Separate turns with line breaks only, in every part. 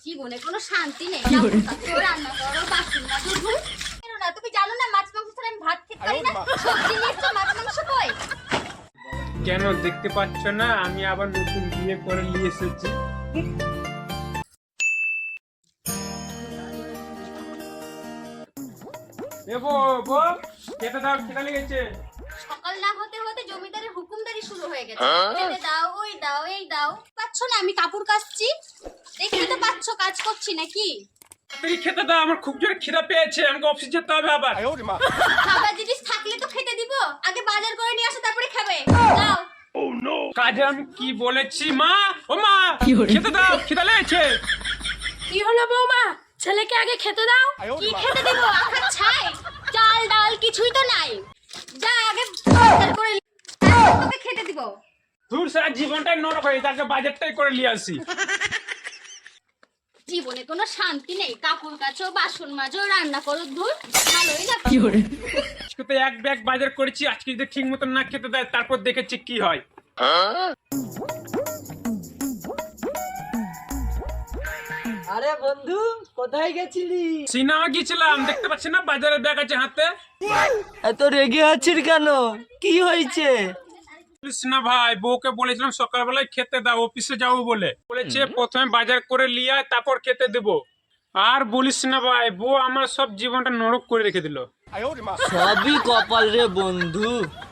জীবনে কোনো শান্তি নেই। রান্না করো, বাসন মাজো, ধুই। কেন না তুমি জানো না মাছ মাংস ছাড়া আমি ভাত খেতে পারি না? সবজি নিয়ে এসছো, মাছ মাংস কই?
কেন দেখতে পাচ্ছ না আমি আবার নতুন বিয়ে করে নিয়ে এসেছি? খেতে দাও, খেতে লেগেছে।
সকাল না হতে হতে জমিদারের হুকুমদারি শুরু হয়ে গেছে। খেতে দাও, ওই দাও, এই দাও। পাচ্ছ না আমি কাপড় কাচছি, দেখতে তো পাচ্ছ কাজ করছি নাকি?
তুই খেতে দাও, আমার খুব জোরে খিদা পেয়েছে, আমাকে অফিস যেতে হবে আবার।
খাবার জিনিস থাকলে তো খেতে দিব, আগে বাজার করে নিয়ে আসো তারপরে খাবে। দাও।
কাজে আমি কি বলেছি মা? ও মা, খেতে দাও, খিদা লেগেছে।
কি হলো বৌমা, ছেলেকে আগে খেতে দাও।
কি খেতে দিব? আখার ছাই, চাল ডাল কিছুই তো নাই। যা আগে বাজার করে তোকে খেতে দিব।
দূর সারা জীবনটাই নরক হয়ে তাকে বাজারটাই করে নিয়ে আসি।
জীবনে কোনো শান্তি নেই। কাপড় কাচো, বাসন মাজো, রান্না করো, ধুর। ভালোই না।
আজকে তো এক ব্যাগ বাজার করেছি, আজকে যদি ঠিক মতন না খেতে দেয় তারপর দেখেছি কি হয়।
আরে বন্ধু, কোথায় গেছিলি?
সিনেমা গিয়েছিলাম, দেখতে পাচ্ছি না বাজারের ব্যাগ আছে হাতে।
এত রেগে আছিস কেন? কি হয়েছে?
বলিস না ভাই, বউকে বলেছিলাম সকালবেলায় খেতে দাও, অফিসে যাবো বলে। বলেছে প্রথমে বাজার করে নিয়ে আয়, তারপর খেতে দেবো। আর বলিস না ভাই, বউ আমার সব জীবনটা নরক করে রেখে দিল।
সবই কপাল রে বন্ধু।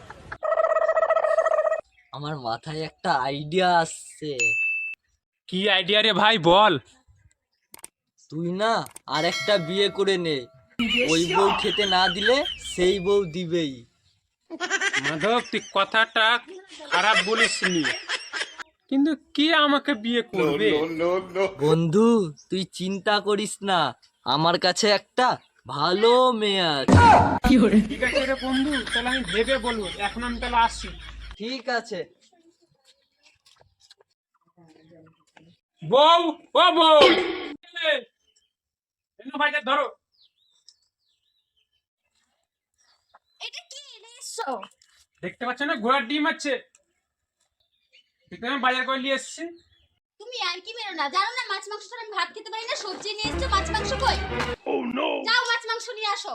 আমার মাথায় একটা আইডিয়া আসছে।
কি আইডিয়া রে ভাই, বল।
তুই না আর একটা বিয়ে করে নে, ওই বউ খেতে না দিলে সেই বউ দিবেই।
মাধব, তুই কথাটা খারাপ বলিসনি, কিন্তু কি আমাকে বিয়ে করবে?
বন্ধু তুই চিন্তা করিস না, আমার কাছে একটা ভালো মেয়ে আছে।
ঠিক আছে রে বন্ধু, তাহলে আমি ভেবে বলবো। এখন আমি তাহলে আসি।
ঠিক আছে।
বউ, ও বউ, ভাইটা ধরো।
এটা কি নিয়ে এসছো?
দেখতে পাচ্ছ না ঘোড়ার ডিম আছে, দেখতে আমি বাজার করে নিয়ে এসেছি।
তুমি আর কি মেরো না, জানো না মাছ মাংস ছাড়া আমি ভাত খেতে পারি না? সবজি নিয়ে এসছো, মাছ মাংস কই? যাও মাছ মাংস নিয়ে আসো।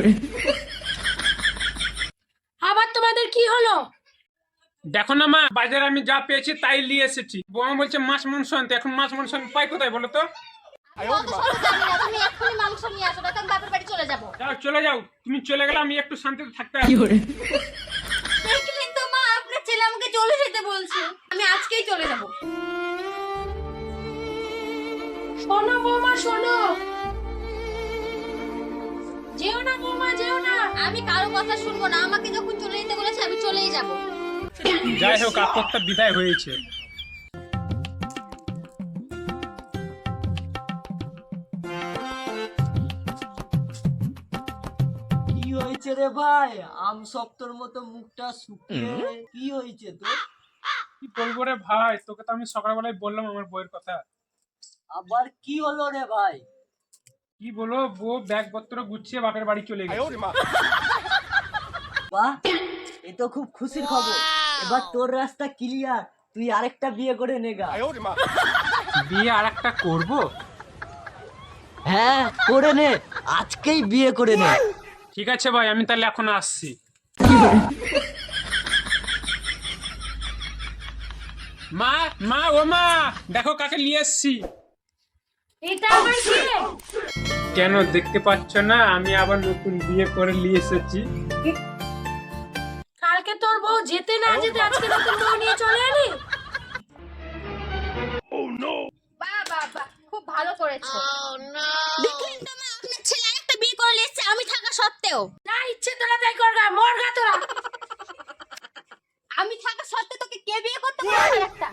আবার তোমাদের কি হলো?
দেখো না মা, বাজারে আমি যা পেয়েছি তাই নিয়ে এসেছি। বউ বলছে মাছ মাংস আনতে, এখন মাছ মাংস আমি পাই কোথায় বলো তো?
আমি অত সব জানি না, তুমি এক্ষুনি মাংস নিয়ে আসো, নয়তো আমি বাপের বাড়ি চলে যাবো।
যাও, চলে যাও, তুমি চলে গেলে আমি একটু শান্তিতে থাকতে পারবো।
দেখলেন তো মা, আপনার ছেলে আমাকে চলে যেতে বলছে। আমি আজকেই চলে যাবো।
শোনো বৌমা, শোনো। যেও না বৌমা, যেও না।
আমি কারো কথা শুনবো না, আমাকে যখন চলে যেতে বলেছে আমি চলেই যাবো।
যাই হোক, আপত্তা বিদায় হয়েছে।
কি হয়েছে রে ভাই? আম শক্তর মতো মুখটা শুকিয়ে কি হয়েছে তোর?
কি বলবো রে ভাই, তোকে তো আমি সকালবেলায় বললাম আমার বউয়ের কথা।
আবার কি হলো রে ভাই?
কি বলো, বউ ব্যাগ পত্র গুছিয়ে বাপের বাড়ি চলে গেছে।
বাহ, এ তো খুব খুশির খবর। এবার তোর রাস্তা ক্লিয়ার, তুই আরেকটা বিয়ে করে নেগা।
বিয়ে আর একটা করবো?
হ্যাঁ করে নে, আজকেই বিয়ে করে নে।
ঠিক আছে ভাই, আমি তাহলে এখন আসছি। মা, মা, ও মা, দেখো কাকে নিয়ে এসছি।
এটা আবার কে?
কেন দেখতে পাচ্ছ না আমি আবার নতুন বিয়ে করে নিয়ে এসেছি?
কালকে তোর বউ যেতে না যেতে আজকে নতুন বউ নিয়ে চলে এলি।
বাহ বাহ বাহ, খুব ভালো করেছো। দেখলেন তো মা, আপনার ছেলে আরেকটা বিয়ে করে নিয়ে এসেছে আমি থাকা সত্ত্বেও।
যা ইচ্ছে তোরা তাই করগা, মরগা তোরা।
আমি থাকা সত্ত্বেও তোকে কে বিয়ে করতে বলেছে? একটা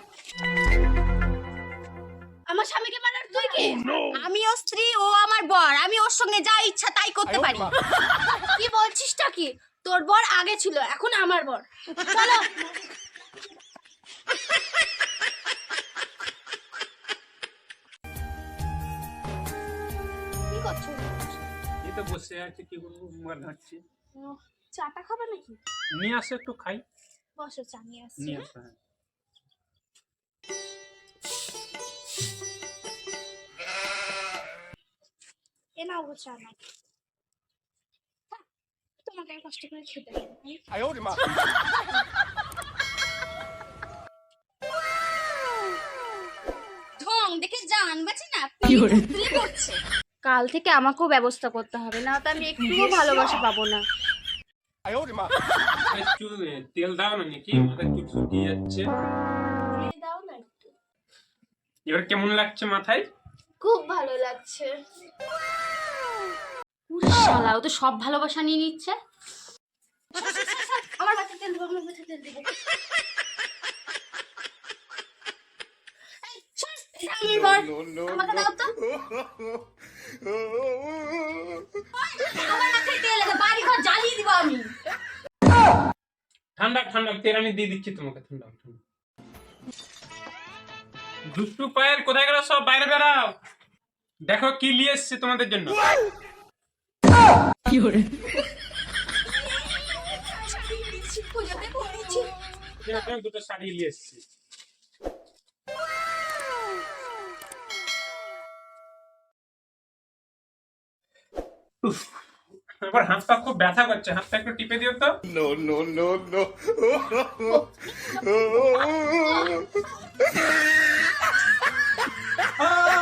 আমার স্বামীকে মারার তুই কে? আমি ওর স্ত্রী, ও আমার বর। আমি ওর সঙ্গে যা ইচ্ছা তাই করতে পারি।
কি বলছিসটা কি? তোর বর আগে ছিল, এখন আমার বর। চলো।
কি করছো?
এই তো বসে আছে, কি করবো, মোবাইল ঘাঁটছি।
চাটা খাবে নাকি?
নিয়ে আসো, একটু খাই।
বসো, চা নিয়ে আসছি।
নিয়ে আসো, হ্যাঁ।
বানাবো চা না তোমাকে আমি কষ্ট করে খেতে দেবো।
ঢং দেখে জান বাঁচে না, পিলে পড়ছে।
কাল থেকে আমাকেও ব্যবস্থা করতে হবে, না তো আমি একটুও ভালোবাসা পাবো না।
একটু তেল দাও না নাকি, মাথায় চুল শুকিয়ে যাচ্ছে।
দিয়ে দাও না একটু।
এবার কেমন লাগছে মাথায়?
খুব ভালো লাগছে।
শালা, ও তো সব ভালোবাসা নিয়ে নিচ্ছে।
আমার মাথায় তেল দেবো, আমার মাথায় তেল দেবো। এই, সর, এটা আমার বর। আমাকে দাও তো।
আমার মাথায় তেল আছে, বাড়ি ঘর জ্বালিয়ে দিব আমি।
ঠান্ডা ঠান্ডা তেল আমি দিয়ে দিচ্ছি তোমাকে। ঠান্ডা ঠান্ডা। দুষ্টু পায়েল কোথায় গেল? সব বাইরে বেরাও, দেখো কি নিয়ে এসেছি তোমাদের জন্য।
পুজোতে পড়েছি।
দুটো শাড়ি নিয়ে এসেছি। এবার হাতটা খুব ব্যথা করছে, হাতটা একটু টিপে দিও তো।
No.